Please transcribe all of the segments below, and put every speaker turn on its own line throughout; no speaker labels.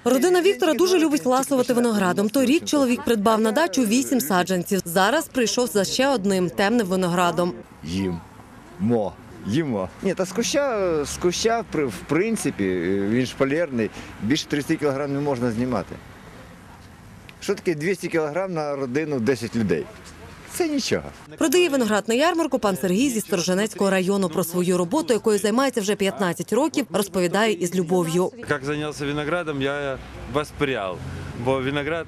Родина Віктора дуже любить ласувати виноградом. Торік чоловік придбав на дачу 8 саджанців. Зараз прийшов за ще одним – темним виноградом.
Їмо. Ні, та з куща, в принципі, він шпалерний, більше 30 кг не можна знімати. Що таке 200 кг на родину 10 людей? Це нічого.
Продає виноград на ярмарку пан Сергій зі Сторожинецького району. Про свою роботу, якою займається вже 15 років, розповідає із любов'ю.
Як зайнявся виноградом, я воспряв, бо виноград,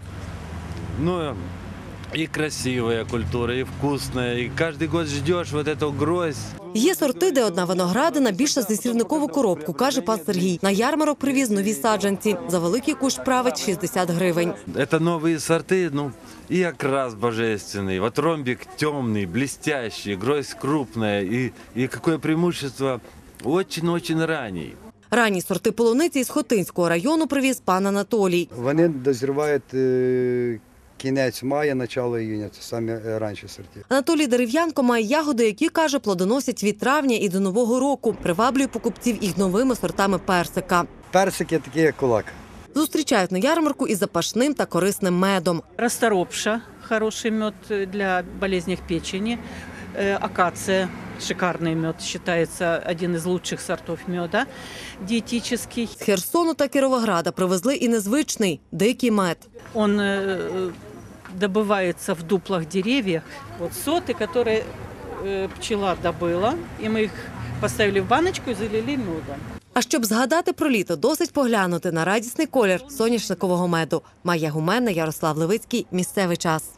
и красивая культура, и вкусная, и каждый год ждешь вот эту гроздь.
Є сорти, де одна виноградина більша за сірникову коробку, каже пан Сергій. На ярмарок привіз нові саджанці. За великий кущ править 60 гривень.
Это новые сорты, и окрас божественный. Вот ромбик темный, блестящий, гроздь крупная, и какое преимущество, очень-очень ранний.
Ранні сорти полуниці із Хотинського району привіз пан Анатолій.
Вони дозрівають кінець мая, начало іюня, це самі ранші сорти.
Анатолій Дерев'янко має ягоди, які, каже, плодоносять від травня і до Нового року. Приваблює покупців їх новими сортами персика.
Персики такі, як кулак.
Зустрічають на ярмарку із запашним та корисним медом.
Расторопша – хороший мед для болезней печени. Акация – шикарный мед, считается один из лучших сортов меда, диетический.
З Херсону та Кіровограда привезли і незвичний – дикий мед.
Он добывается в дуплах деревьев. Вот соты, которые пчела добыла, и мы их поставили в баночку и залили медом.
А щоб згадати про літо, досить поглянути на радісний колір соняшникового меду. Майя Гуменна, Ярослав Левицький. Місцевий час.